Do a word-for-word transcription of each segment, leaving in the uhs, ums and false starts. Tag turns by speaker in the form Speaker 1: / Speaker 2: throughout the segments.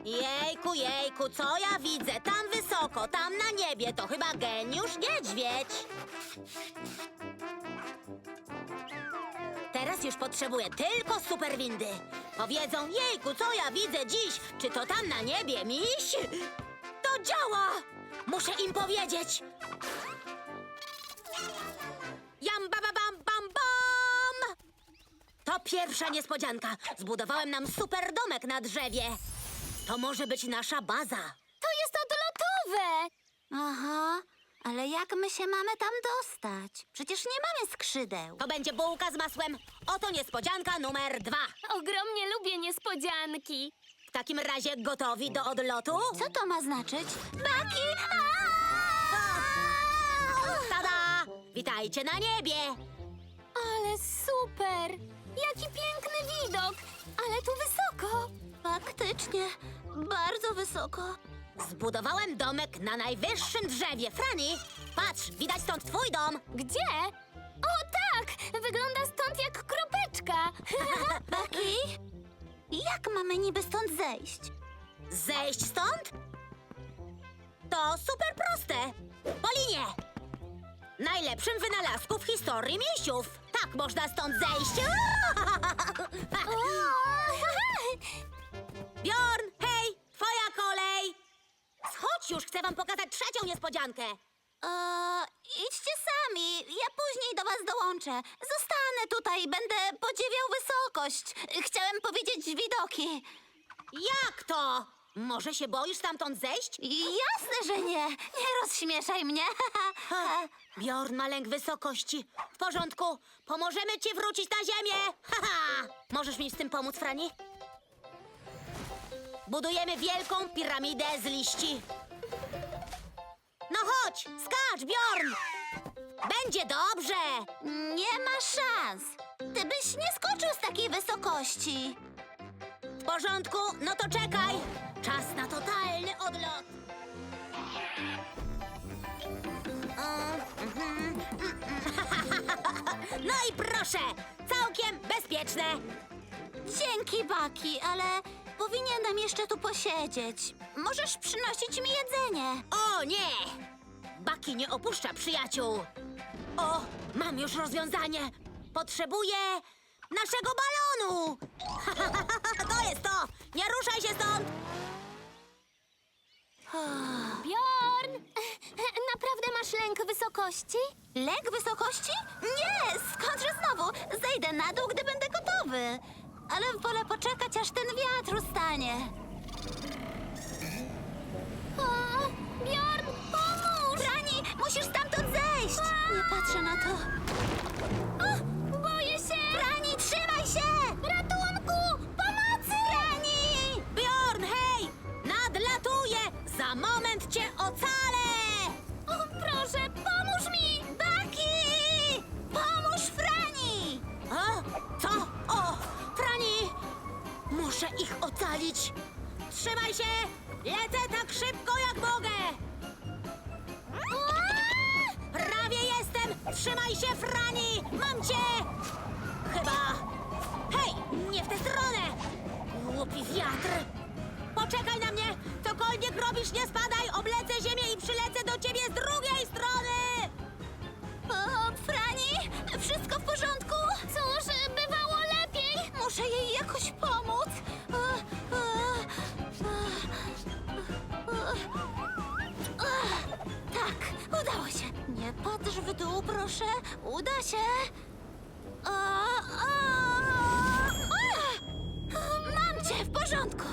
Speaker 1: Jejku, jejku, co ja widzę? Tam wysoko, tam na niebie, to chyba geniusz niedźwiedź. Teraz już potrzebuję tylko super windy. Powiedzą, jejku, co ja widzę dziś? Czy to tam na niebie, miś? To działa! Muszę im powiedzieć. Jam, ba, ba, bam, bam, bam! To pierwsza niespodzianka. Zbudowałem nam super domek na drzewie. To może być nasza baza.
Speaker 2: To jest odlotowe! Aha, ale jak my się mamy tam dostać? Przecież nie mamy skrzydeł.
Speaker 1: To będzie bułka z masłem. Oto niespodzianka numer dwa.
Speaker 3: Ogromnie lubię niespodzianki.
Speaker 1: W takim razie gotowi do odlotu?
Speaker 2: Co to ma znaczyć? Baki!
Speaker 1: Tada! Witajcie na niebie!
Speaker 3: Ale super! Jaki piękny widok! Ale tu wysoko!
Speaker 2: Faktycznie, bardzo wysoko.
Speaker 1: Zbudowałem domek na najwyższym drzewie. Frani, patrz, widać stąd twój dom.
Speaker 3: Gdzie? O tak! Wygląda stąd jak kropeczka!
Speaker 2: Baki, jak mamy niby stąd zejść?
Speaker 1: Zejść stąd? To super proste. Po linie. Najlepszym wynalazku w historii misiów. Tak można stąd zejść. Bjorn, hej, twoja kolej. Schodź już, chcę wam pokazać trzecią niespodziankę.
Speaker 2: Eee, idźcie sami, ja później do was dołączę. Zostanę tutaj i będę podziwiał wysokość. Chciałem powiedzieć widoki.
Speaker 1: Jak to? Może się boisz stamtąd zejść?
Speaker 2: Jasne, że nie. Nie rozśmieszaj mnie.
Speaker 1: Ha, Bjorn ma lęk wysokości. W porządku, pomożemy ci wrócić na ziemię. Haha. Możesz mi z tym pomóc, Frani? Budujemy wielką piramidę z liści. No chodź, skacz, Bjorn! Będzie dobrze.
Speaker 2: Nie ma szans. Ty byś nie skoczył z takiej wysokości.
Speaker 1: W porządku, no to czekaj. Czas na totalny odlot. O, mhm, mm, mm. No i proszę, całkiem bezpieczne.
Speaker 2: Dzięki, Baki, ale powinienem jeszcze tu posiedzieć. Możesz przynosić mi jedzenie.
Speaker 1: O nie! Baki nie opuszcza przyjaciół. O, mam już rozwiązanie. Potrzebuję naszego balonu. To jest to. Nie ruszaj się stąd.
Speaker 3: Bjorn! Naprawdę masz lęk wysokości?
Speaker 2: Lęk wysokości? Nie, skądże znowu? Zejdę na dół, gdy będę gotowy. Ale wolę poczekać, aż ten wiatr ustanie.
Speaker 3: O, Bjorn, pomóż!
Speaker 2: Rani, musisz stamtąd zejść! Nie patrzę na to.
Speaker 3: O, boję się!
Speaker 2: Rani, trzymaj się!
Speaker 3: Ratunku! Pomocy!
Speaker 2: Rani!
Speaker 1: Bjorn, hej! Nadlatuję! Za moment cię ocalę!
Speaker 3: O, proszę, pomóż mi!
Speaker 2: Baki! Pomóż Frani!
Speaker 1: O, co? O, Frani! Muszę ich ocalić. Trzymaj się! Lecę tak szybko, jak mogę! Prawie jestem! Trzymaj się, Frani! Mam cię! Chyba... Hej, nie w tę stronę! Głupi wiatr! Poczekaj na mnie! Cokolwiek robisz, nie spadaj! Oblecę ziemię i przylecę do ciebie z drugiej strony!
Speaker 2: O, Frani, wszystko w porządku?
Speaker 3: Cóż, bywało lepiej!
Speaker 2: Muszę jej jakoś pomóc. O, o, o, o, o. Tak, udało się. Nie patrz w dół, proszę. Uda się. O, o, o. Mam cię, w porządku.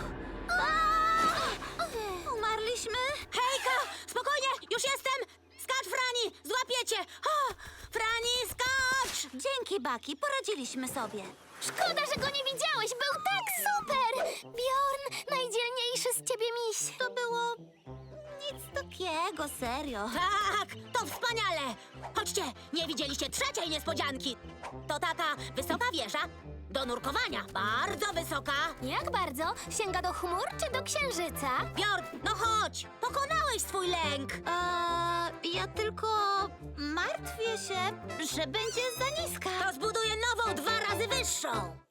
Speaker 2: O, umarliśmy?
Speaker 1: Hejka! Spokojnie! Już jestem! Skacz, Frani! Złapię cię! O, Frani, skacz!
Speaker 2: Dzięki, Baki, poradziliśmy sobie.
Speaker 3: Szkoda, że go nie widziałeś! Był tak super! Bjorn, najdzielniejszy z ciebie miś!
Speaker 2: To było nic takiego, serio.
Speaker 1: Tak, to wspaniale! Chodźcie, nie widzieliście trzeciej niespodzianki. To taka wysoka wieża do nurkowania. Bardzo wysoka.
Speaker 3: Jak bardzo? Sięga do chmur czy do księżyca?
Speaker 1: Bjorn, no chodź! Pokonałeś swój lęk.
Speaker 2: Eee, ja tylko martwię się, że będzie za niska.
Speaker 1: To zbuduję nową dwa razy wyższą.